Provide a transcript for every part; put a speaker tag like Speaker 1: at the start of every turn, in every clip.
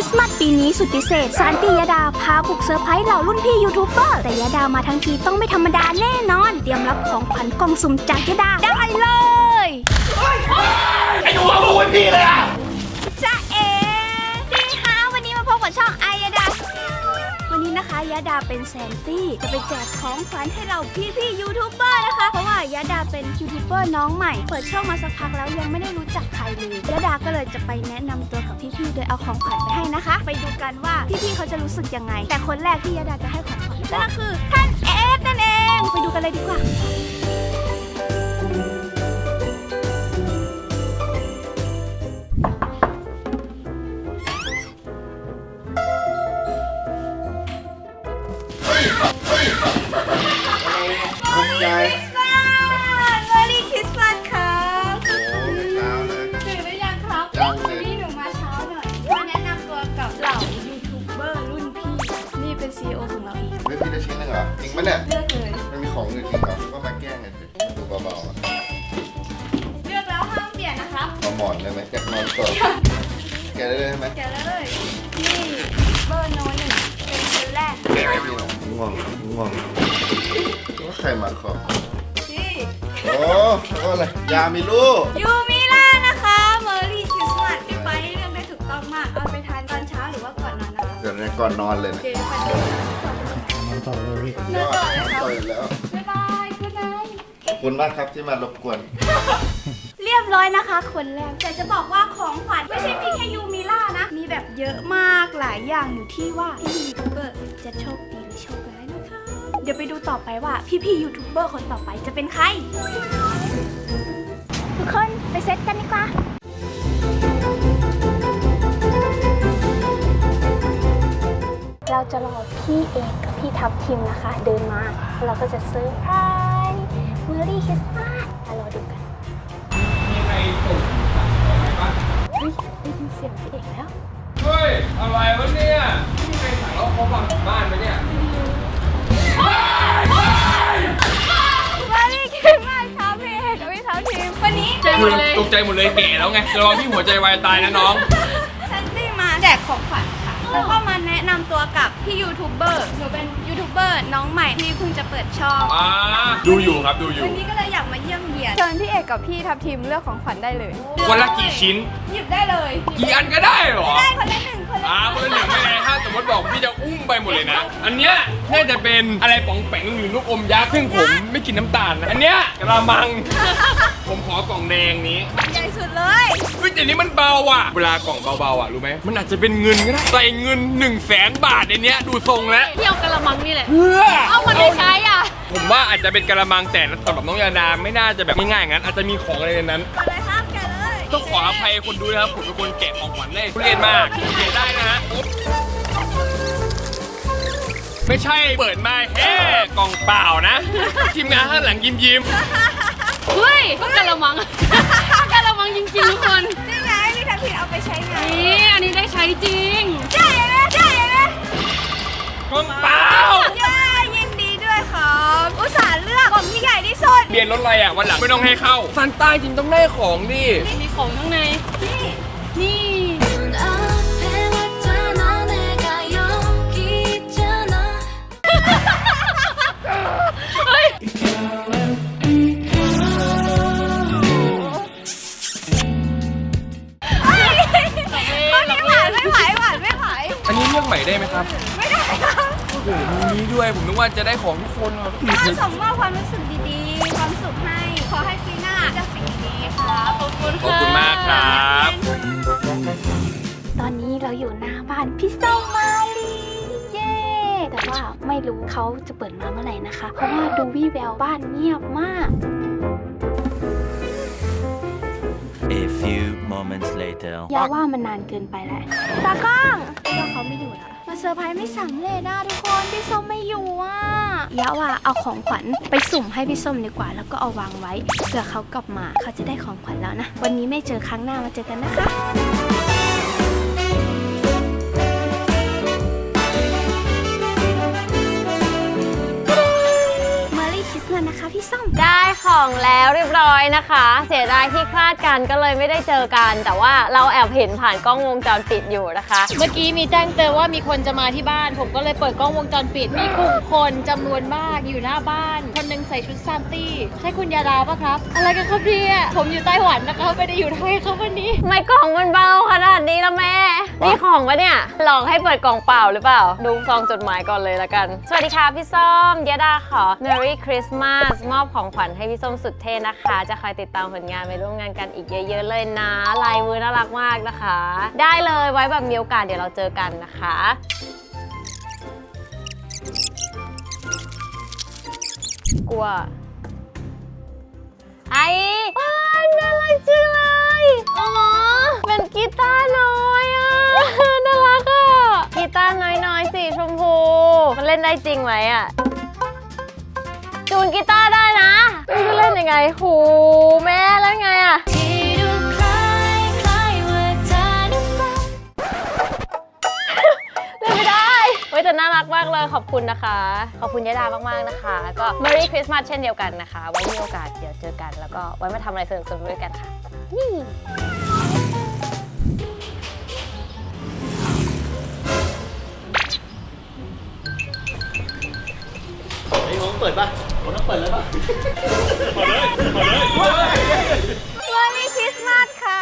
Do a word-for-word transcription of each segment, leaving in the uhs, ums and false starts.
Speaker 1: ริสต์มาสปีนี้สุดพิเศษซานตี้ยดาพาบุกเซอร์ไพรส์เหล่ารุ่นพี่ยูทูบเบอร์แต่ยดามาทั้งทีต้องไม่ธรรมดาแน่นอนเตรียมรับของขวัญกล่องสุ่มจากยดาได้เลย
Speaker 2: ไอ้หนูเอาลูกไว้พี่เลยอ่ะ
Speaker 1: จ้าเอ๋ดีค่ะวันนี้มาพบกับช่องไอยดาวันนี้นะคะยดาเป็นแซนตี้จะไปแจกของขวัญให้เราพี่พี่ยูทูบเบอร์นะคะเพราะว่ายดาเป็นยูทูบเบอร์น้องใหม่เปิดช่องมาสักพักแล้วยังไม่ได้รู้จักใครเลยยดาก็เลยจะไปแนะนำตัวกับพี่พี่โดยเอาของขวัญไปให้นะคะไปดูกันว่าพี่พี่เขาจะรู้สึกยังไงแต่คนแรกที่ยดาจะให้ของขวัญนั่นก็คือท่านเอสนั่นเองไปดูกันเลยดีกว่า
Speaker 2: ใจ
Speaker 1: เมอรี่คริสต์มาสครับ
Speaker 2: โอ้ไม่เช้าเลย
Speaker 1: ตื่นหรือยังครับวันนี้หนูมาเช้าหน่อยมาแนะนำตัวกับเหล่ายูทูบเบอร์รุ่นพี่นี่เป็น ซี อี โอ ของเราเอง
Speaker 2: เลือกพี่ได้ชิ้นหนึ่งเหรอจริงปะเนี่ย
Speaker 1: เลือกเลย
Speaker 2: มันมีของอื่นจริงเหรอก็มาแกล้งกันดูเบาๆ
Speaker 1: เลือกแล้วห้ามเปลี่ยนนะครับ
Speaker 2: มาหมอนได้ไหมแกะนอนสดแกะได้เลยไหม
Speaker 1: แกะเลยนี่เบอร์โนหนึ่งเป็นคนแรก
Speaker 2: แกะได้พี่หรอง่วงง่วงว่าใครมาขอ
Speaker 1: นี่
Speaker 2: โอ้ก็อะไรยามีลูก
Speaker 1: ยูมิล่านะคะเมอรี่คริสต์มาสพี่ไปเลือกได้ถูกต้องมากเอาไปทานตอนเช้าหรือว่าก่อนนอนนะคะ
Speaker 2: เดี๋ยวก่อนนอนเลยนะ
Speaker 1: เดี๋ยวไปดู
Speaker 3: นอนต่อเลยพี่
Speaker 1: นอนต่อเลยครับ
Speaker 2: ต่อยแล้ว
Speaker 1: บ๊ายบายคุณนาย
Speaker 2: ขอบคุณมากครับที่มารบกวน
Speaker 1: เรียบร้อยนะคะคนแรกแต่จะบอกว่าของขวัญไม่ใช่มีแค่ยูมิล่านะมีแบบเยอะมากหลายอย่างอยู่ที่ว่าพี่ยูทูบเบอร์จะโชคดีหรือโชคร้ายนะคะเดี๋ยวไปดูต่อไปว่าพี่ๆยูทูบเบอร์คนต่อไปจะเป็นใครทุกคนไปเซตกันดีกว่าเราจะรอพี่เอกกับพี่ทัพทิมนะคะเดินมาเราก็จะเซอร์ไพรส์เมอรี่คริสต์มาสมารอดูกัน
Speaker 4: มีใครส่งสั่งอะไรบ้าง
Speaker 1: เฮ้ยได้ยินเสียงพี่เอกแล้ว
Speaker 4: เฮ้ย อะไรวะเนี่ยมีใครสั่งแล้วเขาฟังถึงบ้านไหมเนี่ย
Speaker 1: เมอรี่คริสต์มาสครับพี่เอกกับพี่ทัพทิมวันนี้
Speaker 4: คือตกใจหมดเลยแก่แล้วไงระวังพี่หัวใจวายตายนะน้อง
Speaker 1: ฉันได้มาแจกของขวัญค่ะแล้วก็มาแนะนำตัวกับพี่ยูทูบเบอร์หนูเป็นยูทูบเบอร์น้องใหม่ที่เพิ่งจะเปิดช่อง
Speaker 4: อ่าดูอยู่ครับดูอยู่
Speaker 1: วันนี้ก็เลยอยากมาเยี่ยมเยียน
Speaker 5: เชิญพี่เอกกับพี่ทัพทีมเลือกของขวัญได้เลย
Speaker 4: คนละกี่ชิ้น
Speaker 1: หยิบได้เลย
Speaker 4: กี่อันก็ได้เหรอ
Speaker 1: ได้คนละหนึ่งคนละ
Speaker 4: อ่าคนละหนึ่งไม่ได้ถ้าสมมติบอกพี่จะอุ้มไปหมดเลยนะอันเนี้ยน่าจะเป็นอะไรป๋องแปงหรือลูกอมยักษ์ซึ่งผมไม่กินน้ำตาลนะอันเนี้ยกระมังผมขอกล่องแดงนี้
Speaker 1: ใหญ่สุดเลย
Speaker 4: เฮ้ยแต่นี้มันเบาอ่ะเวลากล่องเบาๆอ่ะรู้ไหมมันอาจจะเป็นเงินก็ได้ใส่เงินหนึ่งแสนบาทในเนี้ยดูทรงแล้ว
Speaker 5: เที่ยวกระมังนี่แหละ
Speaker 4: เพื่อ
Speaker 5: เอามันไม่ใช้อ่ะ
Speaker 4: ผมว่าอาจจะเป็นกระมังแต่สำหรับน้องยาดาไม่น่าจะแบบง่ายๆงั้นอาจจะมีของอะไรในนั้น
Speaker 1: เลยครับแกเลย
Speaker 4: ต้องขออภัยคนดูนะครับผมเป็นคนแกะของขวัญได้ทุเรียนมากแกะได้นะฮะไม่ใช่เปิดมาแค่กล่องเปล่านะทีมงานข้างหลังยิ้มยิ้ม
Speaker 5: เฮ้ยกระมังกระมังจริงๆทุกคน
Speaker 1: นี่ไงพี่ทัพทิมเอาไปใช้ไง
Speaker 5: นี่อันนี้ได้ใช้จริง
Speaker 1: ใช่ไหมใช่ไหม
Speaker 4: กล่องเปล่า
Speaker 1: ยินดีด้วยครับอุตส่าห์เลือกกล่องที่ใหญ่ที่สุด
Speaker 4: เรียนรถอะไรอ่ะวันหลังไม่ต้องให้เข้าซันต้าจริงต้องได้ของดิ
Speaker 5: มีของข้างใน
Speaker 1: นี่
Speaker 5: นี่
Speaker 4: อันนี้เลือกใหม่ได้ไหมครับ
Speaker 1: ไม่ได้ครับ
Speaker 4: โอ้โหมีนี้ด้วยผมนึกว่าจะได้ของทุกคนครับ
Speaker 1: ก็ส่งมอบความรู้สึกดีๆความสุขให้ขอให้ปีหน้าจะสิ่งดีๆครับขอบคุณ
Speaker 4: ขอบคุณมากครับ
Speaker 1: ตอนนี้เราอยู่หน้าบ้านพี่ส้มมาลีเย้แต่ว่าไม่รู้เขาจะเปิดมาเมื่อไหร่นะคะเพราะว่าดูวี่แววบ้านเงียบมาก
Speaker 6: A few moments later
Speaker 1: อย่าว่ามันนานเกินไปแล้วตากล้องว่าเขาไม่อยู่แล้วมาเซอร์ไพรส์ไม่สำเร็จนะทุกคนพี่ส้มไม่อยู่อ่ะอย่าว่าเอาของขวัญไปสุ่มให้พี่ส้มดีกว่าแล้วก็เอาวางไว้เผื่อเขากลับมาเขาจะได้ของขวัญแล้วนะวันนี้ไม่เจอครั้งหน้ามาเจอกันนะคะเมอรี่คริสต์มาสนะคะพี่ส้ม
Speaker 5: ได้ของแล้วเรียบร้อยนะคะ เสียดายที่คลาดกันก็เลยไม่ได้เจอกัน แต่ว่าเราแอบเห็นผ่านกล้องวงจรปิดอยู่นะคะ เมื่อกี้มีแจ้งเตือนว่ามีคนจะมาที่บ้าน ผมก็เลยเปิดกล้องวงจรปิด มีกลุ่มคนจำนวนมากอยู่หน้าบ้าน คนหนึงใส่ชุดซานตี้ ใช่คุณยาดาปะครับ อะไรกันครับเนี่ยผมอยู่ไต้หวันนะคะไม่ได้อยู่ไทยครับวันนี้ไม่กล่องมันเบาขนาดนี้ละแม่นี่ของปะเนี่ยหลอกให้เปิดกล่องเปล่าหรือเปล่าดูซองจดหมายก่อนเลยละกันสวัสดีค่ะพี่ส้มยาดาขอ Merry Christmas มอบของขวัญให้พี่ส้มสุดเท่นะคะจะคอยติดตามผลงานไปร่วมงานกันอีกเยอะๆเลยนะลายมือน่ารักมากนะคะ ได้เลยไว้แบบมีโอกาสเดี๋ยวเราเจอกันนะคะกลัวไอ้อ้าวน่ารักจังเลยอ๋อเป็นกีตาร์น้อยอ่ะน่ารักอ่ะกีตาร์น้อยๆสีชมพูมันเล่นได้จริงไหมอ่ะจูนกีตาร์ได้นะไม่รู้จะเล่นยังไงโหแม่เล่นไงอ่ะเล่นไม่ได้เฮ้ยแต่น่ารักมากเลยขอบคุณนะคะขอบคุณยะดามากๆนะคะแล้วก็ Merry Christmas เช่นเดียวกันนะคะไว้มีโอกาสเดี๋ยวเจอกันแล้วก็ไว้มาทำอะไรสนุกๆด้วยกันค่ะนี่
Speaker 2: ไอ้ของเปิดป่ะผมต้องเปิดเลยป่ะ
Speaker 1: Merry Christmas ค่ะ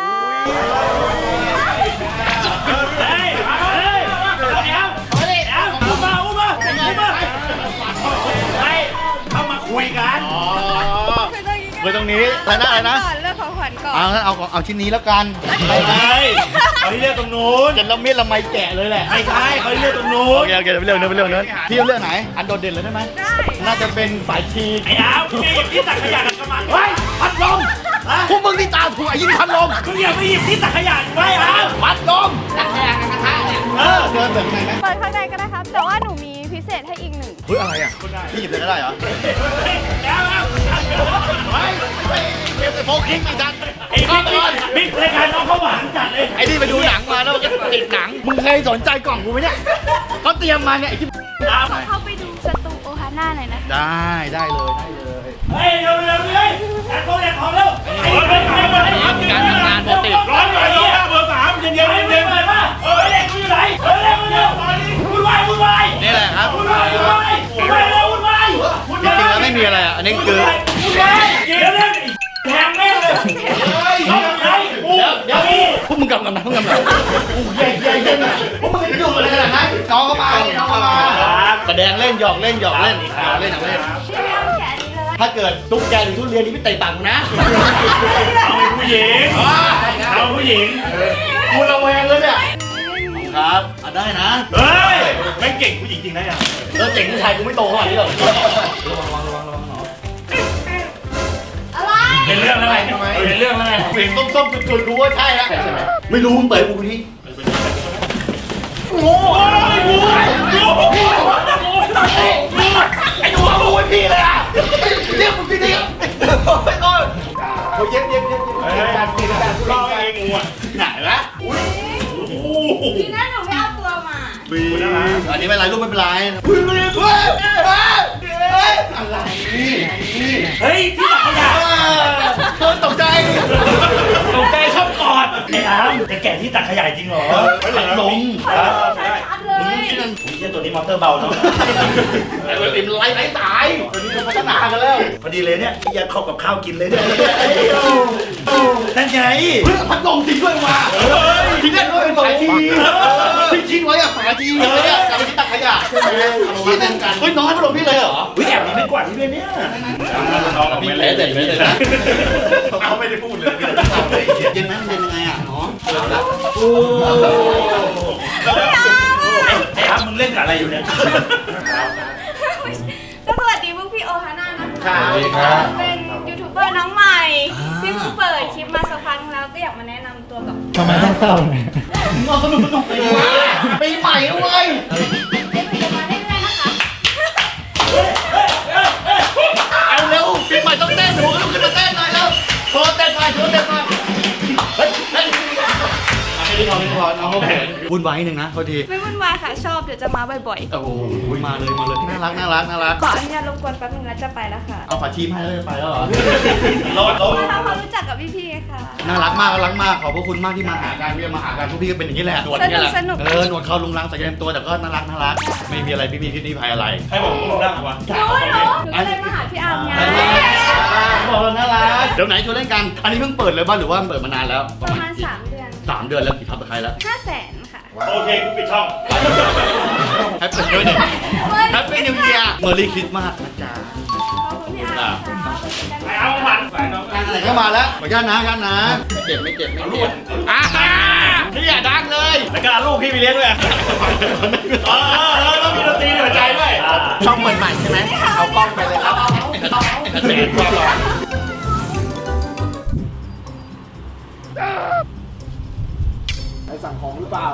Speaker 7: เฮ้ยเฮ้ยเดี๋ยวเดี๋ยวอุ้มมาอุ้มมาอุ้มมาเฮ้ยเข้ามาคุยกัน
Speaker 2: คือตรงนี้อะไรนะอะไรนะ
Speaker 1: ก่อนเลือกของขวัญก่อน
Speaker 2: เอางั้นเอาเอาชิ้นนี้แล้วกัน
Speaker 7: ไม่ใช่เขาที่เลือกตรงนู้น
Speaker 2: จะละเมียดละไมแกะเลยแหละ
Speaker 7: ไม่ใช่เขาที่เลือกตรงนู้
Speaker 2: โอน เคโอเคเดี๋ยวไปเรื่องนึงไปเรื่องนึงพี่เอาเรื่องไหนอันโดดเด่นเลยได้ไหมได้น่าจะเป็นสายชีก
Speaker 7: ไอ้ดาวมึงหยิบที่ตักขยะกับมันเฮ้ย
Speaker 2: พัดลมพวกมึงนี่ตาถั่วยิ่งพัดลม
Speaker 7: มึงอย่าไปหยิบที่ตักขยะไว้อ้าว
Speaker 2: พัดลม
Speaker 7: เออ
Speaker 2: เดินแบบไหนไหม
Speaker 1: เปิดข้างในก็ได้ครับ แต่ว่าหนูมีพิเศษให้อีกหนึ่ง
Speaker 2: เฮ้ยอะไรอ่ะพี่หยิบเลยก็ได้เหรอ
Speaker 7: แล้วแล้ว
Speaker 2: เฮ้ยเก็บแต่โฟกิงไม่ดัน
Speaker 7: ไอ้บิ๊กบิ๊กรายการน้องเขาหวานจัดเลย
Speaker 2: ไอ้นี่ไปดูหนังมาแล้วมันก็ติดหนังมึงเคยสนใจกล่องกูไหมเนี่ยเขาเตรียมมาเนี่ยไอ้ที่
Speaker 1: เข้าไปดูสตูโอฮาน่าหน่อยนะ
Speaker 2: ได้ได้เลยได้เลย
Speaker 7: เฮ้ยเร็วเร็วเลยแอนโทแอนของเร็วการทำงานปกติร้อนหน่อยร้อนเบอร์สามเย็นเย็นเย็นเลยป่ะเออเด็กกูอยู่ไหนเออเร็วเร็วตอนนี้วุ่นวายวุ่นวาย
Speaker 2: นี่แหละครับ
Speaker 7: วุ่นวายวุ่นวายวุ่นวายเร็ววุ่นวาย
Speaker 2: จริงๆแล้วไม่มีอะไรอ่ะอันนี้คือ
Speaker 7: วุ่นวายเดี๋ยวเร็วแทงแม่เลยเอาไหนอู้เดี๋ยวนี้
Speaker 2: พวกมึงกำลังนะพวกมึงกำลังอู้ใหญ่ใหญ่ใหญ่นะพวกมึงจะดูอะไรขนาดนั้นน้องเข้ามาน้องเข้ามาแสดงเล่นหยอกเล่นหยอกเล่นหยอกเล่นหยอกเล่น
Speaker 1: พี่ไม่เอาแขนนี้เลย
Speaker 2: ถ้าเกิดตุ๊กแกหรือทุเรียนนี่พี่เตะปากกูนะ
Speaker 7: เอาผู้หญิงเอาผู้หญิง
Speaker 2: กูระแวงเลยเนี่ยครับอ่ะได้นะ
Speaker 7: เฮ้ยไม่เก่งผู้หญิงจริงนะเนี่ย
Speaker 2: แล้วเจ๋งผู้ชายกูไม่โตขนาดนี้หรอก
Speaker 1: อะไร
Speaker 7: เป็นเรื่องอะไรเป็นเรื่องอะไร
Speaker 2: เสียงส้มๆจุดๆรู้ว่าใช่แล้วไม่รู้มึงเปิดกูนี่
Speaker 7: โอ้ยงูงูงูไอ้หนูเอางูไว้พี่เลยอ่ะ
Speaker 2: เรียกมึงพี่ดิไปก่อนโอ้ยเย็บเย็บเย็บเย็บการเย็บการ
Speaker 7: รอเองงูอ่ะ
Speaker 2: ไหนวะ
Speaker 7: โอ้โห
Speaker 1: ดีนะหนูไม่เอาตัวมา
Speaker 7: บีนะฮะ
Speaker 2: อันนี้ไม่เป็นไรลูกไม่เป็นไรเฮ้ยเฮ้ยเฮ้ยเฮ้ยอะไร
Speaker 7: เฮ้ยที่ตักขยะ
Speaker 2: เธอตกใจ
Speaker 7: ตกใจชอบกอดไอ้อามจะแกะที่ตักขยะจริงเหรอ
Speaker 2: พัดลม
Speaker 1: ชัดเลย
Speaker 2: ที่นั่น
Speaker 7: ผมเชื่อตัวนี้มอเตอร์เบาเนาะ
Speaker 2: ไอ้คนติมไล่ไล่ตายตัวนี้ก็พัฒนากันแล้ว
Speaker 7: พอดีเลยเนี่ยพี่ยัดเข้ากับข้าวกินเลยเนี่ยนั่นไง
Speaker 2: เฮ้ยพัดลมทิ้งด้วยมาทิ้งได้ด้วยเป็นฝาชีทิ้งทิ้งไว้อะฝาชีเลยอะกับที่ตักขยะที่นั่นกันเฮ้ยน้องให้พัดลมพี่เลยเหรอ
Speaker 7: วิแอบมีไม่กวาดที่ด้วยเนี่ยน้อง
Speaker 2: พี่เละเสร็จเลยนะ
Speaker 7: เขาไม่ได้พูดเลย
Speaker 2: เย็นไหมเย็นยังไงอ่ะน้องเอาละ
Speaker 7: ไอ้ครับมึงเล่นกับอะไรอยู่เนี่ย
Speaker 1: ก็สวัสดีพวกพี่โอฮาน่านะคะ
Speaker 2: สวัสดีครับ
Speaker 1: เป็นยูทูบเบอร์น้องใหม่ที่เพิ่งเปิดคลิปมาสักพักแล้วก็อยากมาแนะนำตัวกับ
Speaker 3: ทำไมต้องเศร้าเนี่ย
Speaker 2: น้องสนุกสนุกปีใหม่ปีใหม่ด้วย
Speaker 1: เล่นกันมาเรื่อยๆนะคะ
Speaker 2: เอาเร็วปีใหม่ต้องเต้นหนูลุกขึ้นมาเต้นหน่อยแล้วโชว์เต้นหน่อยโชว์เต้นหน่อยเฮ้ยเฮ้ยพี่พรพี่พรน้องเขาเขินวุ่นวายนิดนึงนะพอดี
Speaker 1: ไม่วุ่นวายค่ะชอบเดี๋ยวจะมาบ่อย
Speaker 2: โอ้โหมาเลยมาเลยน่ารักน่ารักน่ารัก
Speaker 1: ๆ ขออนุญาตรบกวนแป๊บนึงแล้วจะไปแล้วค่ะ
Speaker 2: เอาฝาชีพให้เลยไปแล้วเหรอ
Speaker 7: รอดรอด
Speaker 1: มาทำความรู้จักกับพี่ๆค่ะ
Speaker 2: น่ารักมากน่ารักมากขอบพระคุณมากที่มาหากันที่มาหากันพวกพี่ก็เป็นอย่างนี้แหละหนวดเนี่ยแหละ
Speaker 1: สนุกสนุก
Speaker 2: เออหนวดเขาลุงรังใส่เต็มตัวแต่ก็น่ารักน่ารักไม่มีอะไรพี่พี่ที่นี่ภัยอะไร
Speaker 7: ให้บอกคุณดังวะ
Speaker 1: หนูหนูหนูก็เลยมาหาพี่อาร์มไง
Speaker 2: บอกเราน่ารักเดี๋ยวไหนชวนเล่นกัน อันนี้เพิ่งเปิดเลยบ้านหรือว่าเปิดมานานแล้ว
Speaker 1: ประมาณสามเดือน
Speaker 2: สามเดือนแล้วกี่ทับกับใครแล้ว
Speaker 1: ห้าแสนค่ะ
Speaker 7: โอเคกูปิดช่อง
Speaker 2: แฮปปี้เบิร์ดเดย์แฮปปี้นิวเยียร์เมอร์รี่คริสต์มาสนะจ๊ะ
Speaker 1: ขอบคุณพี่อาร์มค่ะ
Speaker 7: ไปเอาผ่านไปน้อง
Speaker 2: งานอะไรก็มาแล้วขออนุญาตนะขออนุญาตนะไม่เจ็บไม่เจ็บไม่เจ็บอ่าพี่อย่าดังเลย
Speaker 7: แล้วก็ลูกพี่ไปเลี้ยงด้วยเออเออต้องมีดนตรีในหัวใจด้วย
Speaker 2: ช่องเปิดใหม่ใช่ไหมเอากล้องไปเลยครับเกษตรความร้อน
Speaker 1: เฮ้ยคริสต์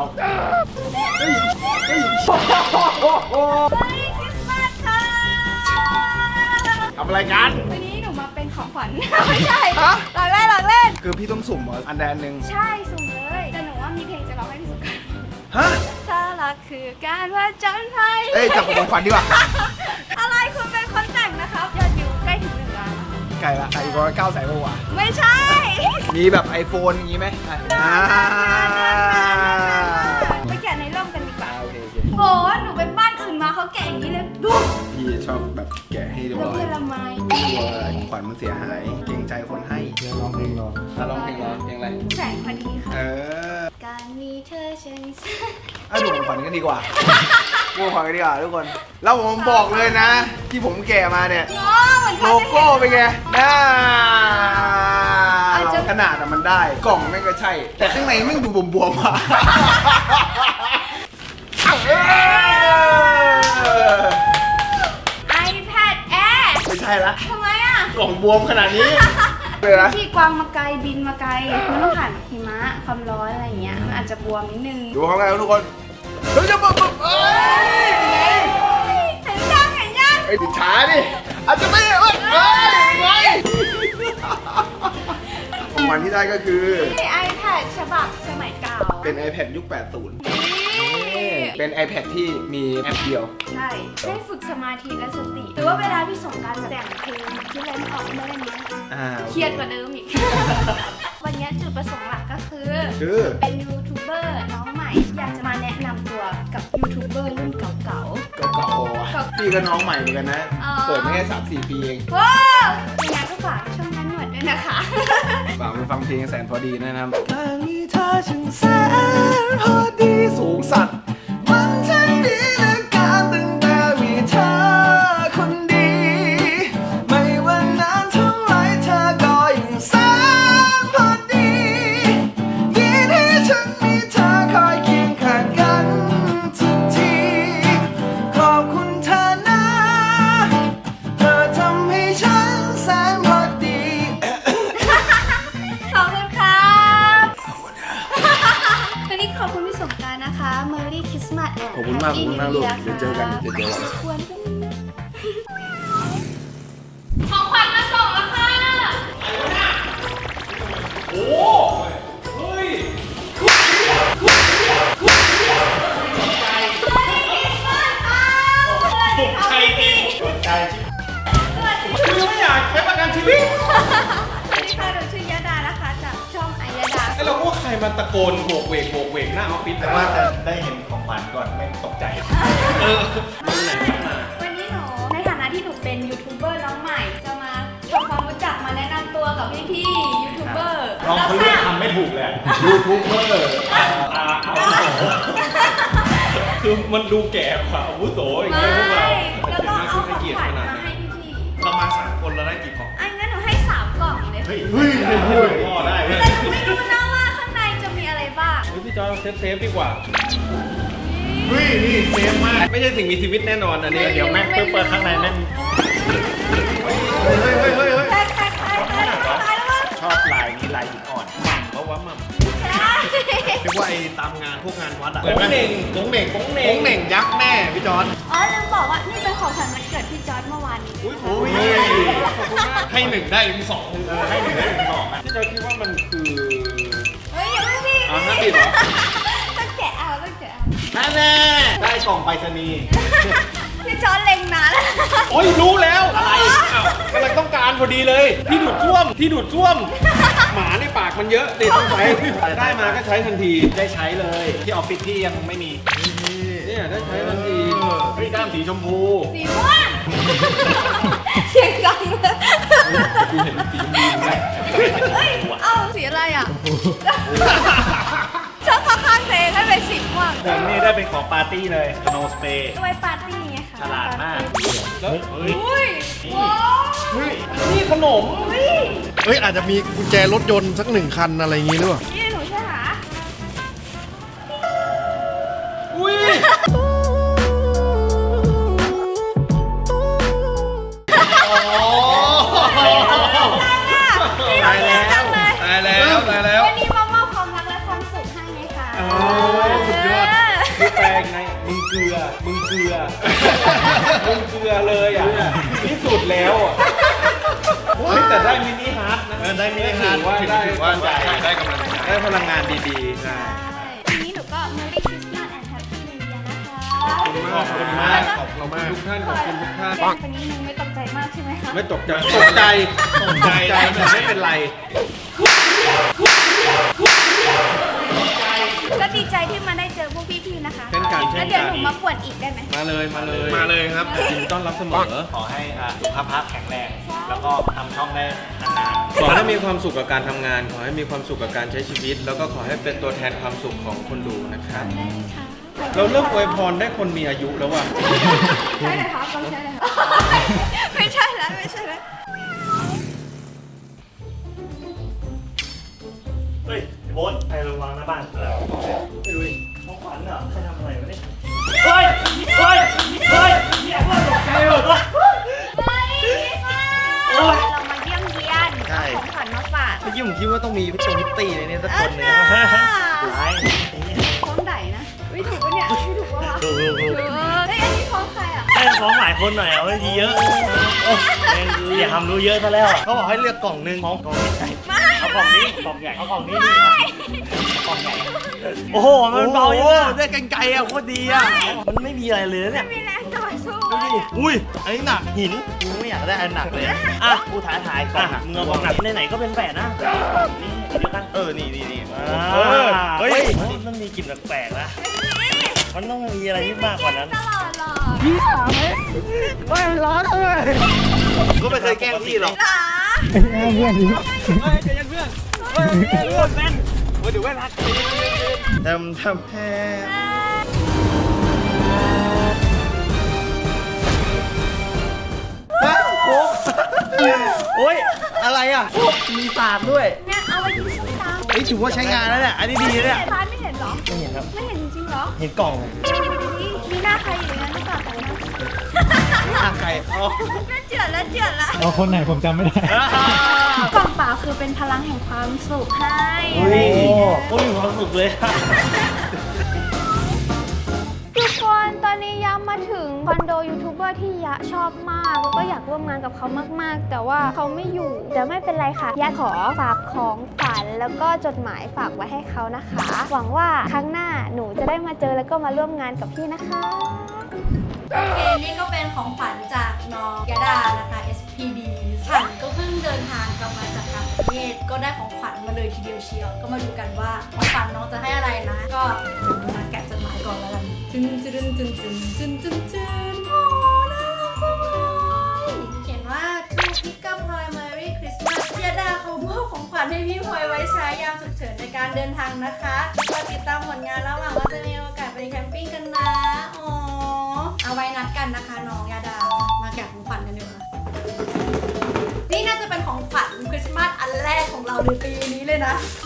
Speaker 1: มาสค่ะ
Speaker 2: ทำอะไรกัน
Speaker 1: วันนี้หนูมาเป็นของขวัญ ไม่ใช่หลอกเล่นหลอกเล่น
Speaker 8: คือพี่ต้องสุ่มเหรออันใดอันหนึ่ง
Speaker 1: ใช่สุ่มเลยแต่หนูว่ามีเพลงจะร้องให้พี่สุกัน
Speaker 8: ฮะ
Speaker 1: ถ้ารักคือการว่าจนภัย
Speaker 8: เอ้ยจับของขวัญดีกว่า
Speaker 1: อะไรคุณเป็นคนแต่งนะครับยอดวิวใกล้ถึงหนึ่งล้านแล้วค่ะ
Speaker 8: ไก่ละไก่ร้อยเก้าแสนกว่า
Speaker 1: ไม่ใช่
Speaker 8: มีแบบ iPhone อย่างงี้ไหมอ่า
Speaker 1: ไปแกะในร่มกันดีกว่า
Speaker 8: โอเคโอเค
Speaker 1: โหหนูไปบ้านอื่นมาเขาแกะอย่างนี้เลยดู
Speaker 8: พี่ชอบแบบแกะให้เรียบ
Speaker 1: แล้ว
Speaker 8: ร้อย
Speaker 1: เยอรมัน
Speaker 8: กลัวของขวัญมันเสียหาย เกรงใจคนให้
Speaker 3: เดี๋ยวร้องเพลงรอ
Speaker 8: อ่ะร้องเพลงเหรอเพลงอะไร
Speaker 1: แสงพอดีค่ะ
Speaker 8: เออ
Speaker 1: การมีเธอฉัน
Speaker 8: อ่ะดูของขวัญกันดีกว่าดูของขวัญกันดีกว่าทุกคน แล้วผมบอกเลยนะ ที่ผมแกะมาเนี่ย
Speaker 1: อ๋อเหมือน
Speaker 8: โล
Speaker 1: เขาจะ
Speaker 8: โก้เป็นไงน่า
Speaker 1: อาจจะ
Speaker 8: ขนาดอะมันได้ กล่องแม่งก็ใช่ แต่ข้างในแม่งดูบวมๆอ่ะ
Speaker 1: ไอแพดแอร์
Speaker 8: ไม่ใช่ละ
Speaker 1: ทำไมอ่ะ
Speaker 8: กล่องบวมขนาดนี้เลยนะ
Speaker 1: ที่กวางมาไกลบินมาไกลมันต้องผ่านหิมะความร้อนอะไรอย่างเงี้ยมันอาจจะบวมนิดนึง
Speaker 8: ดูเขาไงครับทุกคนเฮ้ยจะบอกบอกเอ้ย
Speaker 1: เห็นยังเห็นยัง
Speaker 8: ไอ้ติดช้าดิอาจจะไม่เอ้ยเอ้ยไงของมันที่ได้ก็คือ
Speaker 1: นี่ iPad ฉบับสมัยเก่า
Speaker 8: เป็น iPad ยุค แปดสิบ
Speaker 1: นี่
Speaker 8: เป็น iPad ที่มีแอปเดียว
Speaker 1: ใช่ได้ฝึกสมาธิและสติ หรือว่าเวลาพี่สงกรารแต่งเพลงที่เล่นออกมาเล่นเนี้ย
Speaker 8: อ่า
Speaker 1: เครียดกว่าเดิมอีก วันนี้จุดประสงค์หลักก็คือ
Speaker 8: คือ
Speaker 1: เป็นยูทูบเบอร์น้องใหม่ อยากจะมาแนะนำตัวกับยูทูบเบอร์รุ่นเก่า
Speaker 8: เก่าๆอ่ะพี่ก็น้องใหม่เหมือนกันนะ
Speaker 1: อ๋อ
Speaker 8: เปิดมาแค่สามสี่ปีเอง
Speaker 1: ๆว้าวยังไงก็ฝากช่องนั้นหนวดด้วยนะคะ
Speaker 8: ฝากไปฟังเพลงแสนพอดีนะครับการมีเธอช่างแสนพอดีสูงสัตว์มันช่างดีเหลือเกินตั้งแต่มีเธอคนดี ไม่ว่านานเท่าไรเธอก็ยังแสนพอดีดีที่ฉันมีเธอคอยเคียงข้างกันทุกที ขอบคุณเธอนะ เธอทำให้ฉันแสนพอดี
Speaker 1: ขอบคุณครับวันนี้ขอบคุณพี่สงกรานต์นะคะ Merry Christmas and
Speaker 8: ขอบคุณมากขอบคุณมากลูก
Speaker 1: Happy New Year
Speaker 8: เดี๋ยวเจอกันเดี๋ยวเจอกัน
Speaker 1: กวนกันนะ
Speaker 5: ของขวัญมาส่งแล้วค่ะ
Speaker 7: ถูกใจจริง
Speaker 2: ใจ
Speaker 7: คือไม่อยากใช้ประกันชีวิต
Speaker 1: สวัสดีค่ะหนูชื่อยาดานะคะ จากช่องไอยาดา
Speaker 7: ไอ้เราพวกใครมาตะโกนโบกเวกโบกเวกหน้าออฟฟิศแต่ว่าจะได้เห็นของขวัญก่อนไม่ตกใจ เออวันไหนมา
Speaker 1: วันนี้หนูในฐานะที่หนูเป็นยูทูบเบอร์น้องใหม่ จะมาทำความรู้จักมาแนะนำตัวกับพี่ๆยูทูบเบอร์
Speaker 7: น้องเขาเลือกทำไม่ถูกเลยยูทูบเบอร์อาอาวุโสคือมันดูแก่กว่าอาวุโสอย่าง
Speaker 1: ไม่
Speaker 7: เงี้ยพวกเรา
Speaker 1: แล้วก็เอาของ
Speaker 7: เกียร
Speaker 1: ขวัญ
Speaker 7: ขนาด
Speaker 1: มา
Speaker 7: ไหน
Speaker 1: ให้พี่
Speaker 7: เรามาสามคนเราได้กี่ของ
Speaker 1: ๆอันงั้นหนูให้สามกล่องเลย
Speaker 7: เฮ้ยเฮ้ยพูดพ่อได้เว้ย
Speaker 1: แต่หนูไม่รู้นะว่าข้างในจะมีอะไรบ้าง
Speaker 7: เฮ้ยพี่จอยเซฟเซฟดีกว่าเฮ้ยนี่เซฟมากไม่ใช่สิ่งมีชีวิตแน่นอนอันนี้เดี๋ยวแม่งเปิดข้างในแม่งเฮ้ยเฮ้ยเฮ้ยเฮ้ยเฮ้ย
Speaker 1: แตกแตกแตกแตกตายแล้วมั้ง
Speaker 7: ชอบลายนี้ลายหินอ่อนหม่ำเพราะว่าหม่ำ
Speaker 1: ใช่
Speaker 2: เรียกว่าไอ้ตามงานพวกงานวัดอะ
Speaker 7: โป้งเหน่งโป้งเหน่งโป้งเหน่ง
Speaker 2: โป้งเหน่งยักษ์แม่พี่จอน
Speaker 1: อ๋อลืมบอกว่านี่เป็นของขวัญวันเกิดพี่จอร์ดเมื่อวานนี้
Speaker 7: อุ้ยโอ้ยขอบคุณมากให้หนึ่งได้ถึงสองให้หนึ่งได้ถึงสองอ่ะพี่จอยคิดว่ามันคือ
Speaker 1: เฮ้ยอย่าเพิ่งพี่
Speaker 2: อ๋อห้ามบีบเหรอ
Speaker 1: ต้องแกะเอาต้องแกะเอา
Speaker 2: นั่นแน่ได้กล่องไปรษณีย์
Speaker 1: พี่จอนเล็งนานแล้ว
Speaker 2: โอ้ยรู้แล้วอะไรอ้าวกำลังต้องการพอดีเลยที่ดูดซ่วมที่ดูดซ่วม หมาในปากมันเยอะเลยต้องใช้ได้มาก็ใช้ทันทีได้ใช้เลยที่ออฟฟิศที่ยังไม่มีเนี่ยได้ใช้ทันทีเฮ้ยด้ามสีชมพู
Speaker 1: สีม่วงเสียงดังเลย
Speaker 2: กูเห็นสีชมพูไหม
Speaker 1: เฮ้ยเอ้าสีอะไรอ่ะชอบข้างๆเพลงให้เป็นสีม่วง
Speaker 2: ผมนี่ได้เป็นของปาร์ตี้เลยโนสเปรย์
Speaker 1: ไว้ปาร์ตี้ไงคะ
Speaker 2: ฉลาดมากแล้วเฮ้ย
Speaker 1: อุ้ยว้าว
Speaker 2: เฮ้ยนี่ขนม
Speaker 1: อุ้ย
Speaker 3: เฮ้ยอาจจะมีกุญแจรถยนต์สักหนึ่งคันอะไรอย่างงี้หรือเปล่า
Speaker 1: นี่หนูใช่หรอ
Speaker 2: อุ้ย
Speaker 1: ตายแล้ว
Speaker 2: ตายแล้วตายแล้ว
Speaker 1: วันนี้มามอบความรักและความสุขให้ไงคะ
Speaker 2: โอ้สุดยอดคือแปลงไงมึงเกลือมึงเกลือมึงเกลือเลยอ่ะที่สุดแล้วอ่ะเฮ้ยแต่ได้มินิฮาร์ดนะได้มินิฮาร์ดว่าได้ว่าได้ได้กำลังได้พลังงานดีๆใช่
Speaker 1: วันนี้หนูก็ Merry Christmas and Happy New Year นะคะ
Speaker 2: ขอบคุณมากขอบคุณมากทุกท่านขอบคุณทุกท่าน
Speaker 1: วันนี้นึงไม่ตกใจมากใช่ไหมคะ
Speaker 2: ไม่ตกใจตกใจตกใจแต่ไม่เป็นไร
Speaker 1: ก็ดีใจที่มาได้เจอพวกพี่ๆนะคะ
Speaker 2: เช่นกันเช่
Speaker 1: แล้ว
Speaker 2: น
Speaker 1: เดี๋ยว
Speaker 2: กั
Speaker 1: ห
Speaker 2: น
Speaker 1: นูมาป่วนอีกได้ไหม
Speaker 2: มาเลยมาเลยมาเลยครับยินดีต้อนรับเสมอขอให้สุขภาพแข็งแรงแล้วก็ทำช่องได้นานๆขอให้มีความสุขกับการทำงาน ขอให้มีความสุขกับการใช้ชีวิต แล้วก็ขอให้เป็นตัวแทนความสุขของคนดูนะครับ
Speaker 1: ได้เลยค่ะ
Speaker 2: เราเริ่มอวยพรได้คนมีอายุแล้วว่ะ
Speaker 1: ใช่เลยครับเราใช่เลยครับไม่ใช่แล้วไม่ใช่แล้ว
Speaker 7: เฮ้ยโบ๊ทใครระวังหน้าบ้านไม่รู้ของขวัญเหรอใครทำอะไรวะเนี่ยเฮ้ยเฮ้ยเฮ้ยเนี่ยว่าตกใจหมดวะ
Speaker 1: เรามาเยี่ยมเยียนของขวัญมาฝาก
Speaker 2: เมื่อกี้ผมคิดว่าต้องมีพิจงพิตตี้ในนี้สัก
Speaker 1: เอ
Speaker 2: ค
Speaker 1: อน
Speaker 2: หนึ่ง
Speaker 1: น่า
Speaker 7: ไร
Speaker 1: ของไหนนะไม่ถูกปะเนี่ยไม่ถูกปะวะ
Speaker 7: ดูดูดู
Speaker 1: เออเฮ้ยอันนี้ของใครอ่ะ
Speaker 7: ให้ของหลายคนหน่อยเอาไว้ทีเยอะอย่าทำรู้เยอะซะแล้วเขาบอกให้เลือกกล่องหนึ่งของกล่องใหญ่เอากล่องนี้กล่องใหญ่เอากล่องนี้ดีกล่องใหญ่โอ้โหมันเบาเยอะได้กันไกลอ่ะโคตรดีอ่ะมันไม่มีอะไรเลยเนี่ย
Speaker 1: มีแรงต่อสู้
Speaker 7: ดูดิอุ้ย อันนี้หนักหิน กูไม่อยากได้อันหนักเลย อ่ะ กูท้าทายก่อนมึงเอาของหนักไหนๆก็เป็นแฝดนะนี่เดียวกัน เออ นี่นี่นี่เฮ้ยมันต้องมีกลิ่นแปลกๆนะ มันต้องมีอะไรที่มากกว่านั้น
Speaker 1: ตลอดหรอ
Speaker 2: ก็ไม่เคยแกล้งพี่หรอก
Speaker 1: หรอ
Speaker 3: เพื่อนนี้
Speaker 7: เฮ้ยใจเย็นเพื่อนเฮ้ยเพื่อนแม่นเฮ้ยเดี๋ยวแม่นรัก
Speaker 2: ทำทำแพ้
Speaker 7: โอ้ย อะไรอ่ะ มีศาสตร์ด้วย
Speaker 1: เนี่ยเอาไว้กินส้มตำ
Speaker 7: เฮ้ยถือว่าใช้งานแล้วเนี่ย อันนี้ดีเนี่ย
Speaker 1: ร้านไม่เห็นเหรอ
Speaker 7: ไม่เห็นครับ
Speaker 1: ไม่เห็นจริงเหรอ
Speaker 7: เห็นกล่อง
Speaker 1: มีหน้าใครอยู่ในนั้นหรือเปล่าแต่ละ
Speaker 7: หน้าใครอ๋อ
Speaker 1: น่าเจือดแล้วเจือดละ
Speaker 3: เอาคนไหนผมจำไม่ได้
Speaker 1: กล่องเปล่าคือเป็นพลังแห่งความสุขให้
Speaker 7: โอ้ยโอ้ยมีความสุขเลย
Speaker 1: ทุกคนตอนนี้ย้ำมาถึงคอนโดยูทูบเบอร์ที่ยะชอบมากแล้วก็อยากร่วมงานกับเขามากๆ แต่ว่าเขาไม่อยู่แต่ไม่เป็นไรค่ะยะขอฝากของฝันแล้วก็จดหมายฝากไว้ให้เขานะคะ หวังว่าครั้งหน้าหนูจะได้มาเจอแล้วก็มาร่วมงานกับพี่นะคะ
Speaker 9: โอเค นี่ก็เป็นของขวัญจากน้องยดานะคะ เอส พี ดี ฉันก็เพิ่งเดินทางกลับมาจากต่างประเทศ ก็ได้ของขวัญมาเลยทีเดียวเชียว ก็มาดูกันว่าของขวัญน้องจะให้อะไรนะ ก็เดี๋ยวมาแกะจดหมายก่อนแล้วกันจึนจึนจึนจึนจึนจึนจึนโอ้น่ารักจังเลยเขียนว่า To pick up Ploy Merry Christmas ยดาเขามอบของขวัญให้พี่พลอยไว้ใช้ยามฉุกเฉินในการเดินทางนะคะก็ติดตามผลงานแล้วหวังว่าจะมีโอกาสไปแคมปิ้งกันนะอ๋อ เอาไว้นัดกันนะคะน้องยาดา มาแกะของขวัญกันดีกว่านี่น่าจะเป็นของขวัญคริสต์มาสอันแรกของเราในปีนี้เลยนะ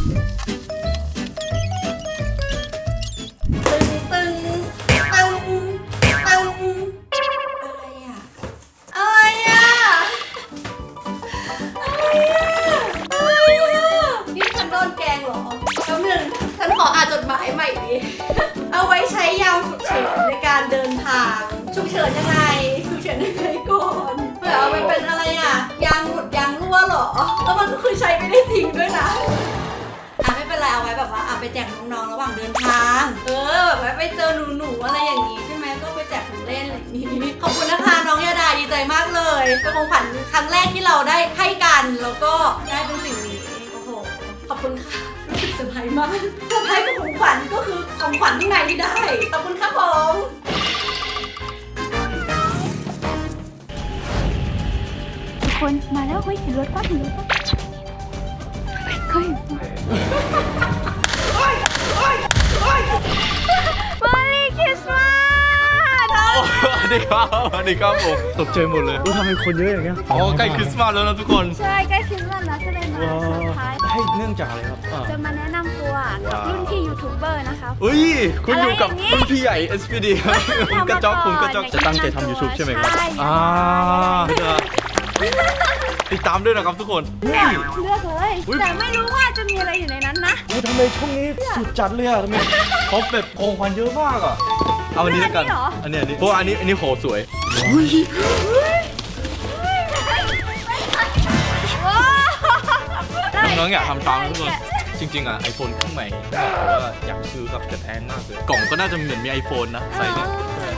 Speaker 9: ตึงตึงตึงตึงอะไรอ่ะ อะไรอ่ะ อะไรอ่ะ อะไรอ่ะ นี่ฉันโดนแกล้งเหรอแป๊บนึงฉันขออ่านจดหมายใหม่ดิ เอาไว้ใช้ยามฉุกเฉินในการเดินทางฉุกเฉินยังไงฉุกเฉินยังไงก่อนเผื่อเอาไปเป็นอะไรอ่ะ ยางหลุดยางรั่วเหรอ แล้วมันก็คือใช้ไม่ได้จริงด้วยนะ อ่ะไม่เป็นไรเอาไว้แบบว่าเอาไปแจกน้องๆระหว่างเดินทางเออแบบว่าไปเจอหนูๆอะไรอย่างนี้ใช่ไหมก็ไปแจกของเล่นอะไรอย่างนี้ขอบคุณนะคะน้องยาดาดีใจมากเลยเป็นของขวัญครั้งแรกที่เราได้ให้กันแล้วก็ได้เป็นสิ่งนี้โอ้โหขอบคุณค่ะรู้สึกเซอร์ไพรส์มากเซอร์ไพรส์กับของขวัญก็คือของขวัญข้างในที่ได้ขอบคุณครับผม
Speaker 1: ทุกคนมาแล้วเฮ้ยเห็นรถป้าเห็นรถป้าเฮ้ยมาลีคริสต์มาส
Speaker 2: สวัสดีครับสวัสดีครับผมตกใจหมดเลย
Speaker 3: ทำไมคนเยอะอย่างเงี้ย
Speaker 2: อ๋อใกล้คริสต์มาสแล้วนะทุกคน
Speaker 1: ใช่ใกล้คริสต์มาสแล้วก็เลยมาเซอร์ไพรส์
Speaker 2: ให้เนื่องจากอะไรครับอ่า
Speaker 1: จะมาแนะนำตัวกับรุ่นพี่ยูทูบเบอร์นะคะ
Speaker 2: เฮ้ยคุณอยู่กับ
Speaker 1: อะไรอย่างนี้
Speaker 2: รุ่นพี่ใหญ่ เอส พี ดี ครับผมกระจอกผมกระจอก
Speaker 1: ทำมาก่อน
Speaker 2: จะตั้งใจทำ YouTube ใช่ไหมครับ
Speaker 1: ใช่
Speaker 2: อ่าจะติดตามด้วยนะครับทุกคน
Speaker 1: เลือกเลือกเลยแต่ไม่รู้ว่าจะมีอะไรอยู่ในนั้นนะ
Speaker 2: อุ๊ยทำไมช่วงนี้สุดจัดเลยอ่ะทำไมเขาแบบของขวัญเยอะมากอ่ะเอาอันนี้แล้วกัน
Speaker 1: อันนี้เหรอ
Speaker 2: อันนี้อันนี้เพราะว่าอันนี้อันนี้โหสวย น้องๆอยากทำตามนะทุกคนจริงๆอ่ะ iPhone เครื่องใหม่แต่ว่าอยากซื้อกับแต่แพงมากเลยกล่องก็น่าจะเหมือนมี iPhone นะใส่เนี่ย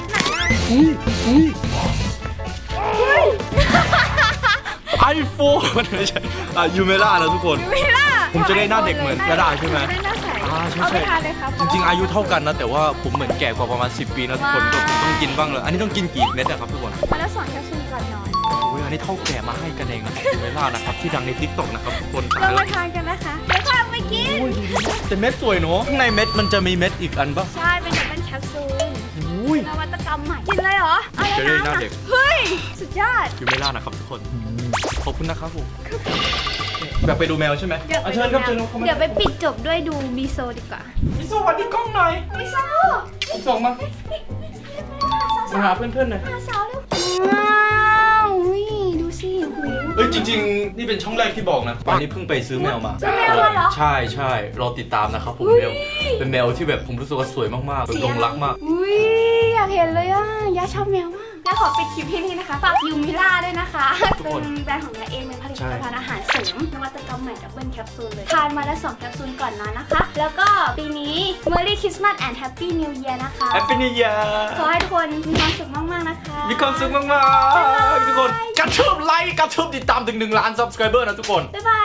Speaker 2: ไอโฟนไม่ใช่อ่ะยูเมล่านะทุกคน
Speaker 1: ไม่ล่ะ
Speaker 2: ผมจะได้หน้าเด็กเหมือนยาดาใช่ไหม
Speaker 1: จะได้หน้าใส
Speaker 2: อ่าใช่
Speaker 1: เอาไป
Speaker 2: ใช่
Speaker 1: ทานเลยครับ
Speaker 2: จริงๆอายุเท่ากันนะแต่ว่าผมเหมือนแก่กว่าประมาณสิบปีนะทุกคนก็ผมต้องกินบ้างเลยอันนี้ต้องกินกี่เม็ดอะครับทุกคน
Speaker 1: มาแล้วสอนแคปซูลก่อนนอน
Speaker 2: โอ้ยอันนี้เท่าแก่มาให้กันเองนะยูเมล่านะครับที่ดังใน ทิกตอก นะครับทุกคนตา
Speaker 1: เรา
Speaker 2: ยแล้
Speaker 1: มาว ทานกันนะคะเดี๋ยวพาไปกิน
Speaker 2: แต่เม็ดสวยเนอะข้างในเม็ดมันจะมีเม็ดอีกอันปะ
Speaker 1: ใช่เป็นแบบเป็นแคปซูล
Speaker 2: อุ้ย
Speaker 1: นวัตกรรมใหม่กินเลยเหรอเอาเลย
Speaker 2: จะได้หน้า
Speaker 1: นะ
Speaker 2: เด็ก
Speaker 1: เฮ้ยสุดยอด
Speaker 2: ยูเมล่านะครับทุกคนขอบคุณนะครับผมแบบไปดูแมวใช่ไหม
Speaker 1: เดี๋ยว
Speaker 2: อ่ะ
Speaker 1: ไป
Speaker 2: เชิญครับเชิญครับเข้ามา
Speaker 1: เดี๋ยวไปปิดจบด้วยดูมิโซดีกว่า
Speaker 2: มิโซะวันนี้กล้องหน่อย
Speaker 1: มิโซ
Speaker 2: มิโซะมามาหาเพื่อนๆหน่อย
Speaker 1: มาสาวเร็วว้าวอุ้ยดูสิหู
Speaker 2: เอ้ยจริงๆนี่เป็นช่องแรกที่บอกนะตอนนี้เพิ่งไปซื้อแมวมา
Speaker 1: ซื้อแมวมาเหรอ
Speaker 2: ใช่ใช่รอติดตามนะครับผมแมวเป็นแมวที่แบบผมรู้สึกว่าสวยมากๆแบบหลงรักมาก
Speaker 1: อุ้ยอยากเห็นเลยอ่ะยาชอบแมวมากยาขอปิดคลิปที่นี่นะคะฝากยูมิล่าด้วยนะคะ
Speaker 2: ทุก
Speaker 1: เป็
Speaker 2: คน
Speaker 1: นแบรนด์ของยาเองเป็นผลิต
Speaker 2: ใช่
Speaker 1: ภัณฑ์อาหารเสริมนวัตกรรมใหม่ดับเบิลแคปซูลเลยทานมาแล้วสองแคปซูลก่อนนอนนะคะ แล้วก็ปีนี้ Merry Christmas and Happy New Year นะคะ
Speaker 2: แฮปปี้นิวเยีย
Speaker 1: ขอให้ทุกคนมีความสุขมากๆนะคะ
Speaker 2: มีความสุขมากๆทุกคนกระทืบไลค์กระทืบติดตามถึงหนึ่งล้าน subscriber นะทุกคน
Speaker 1: บ๊ายบาย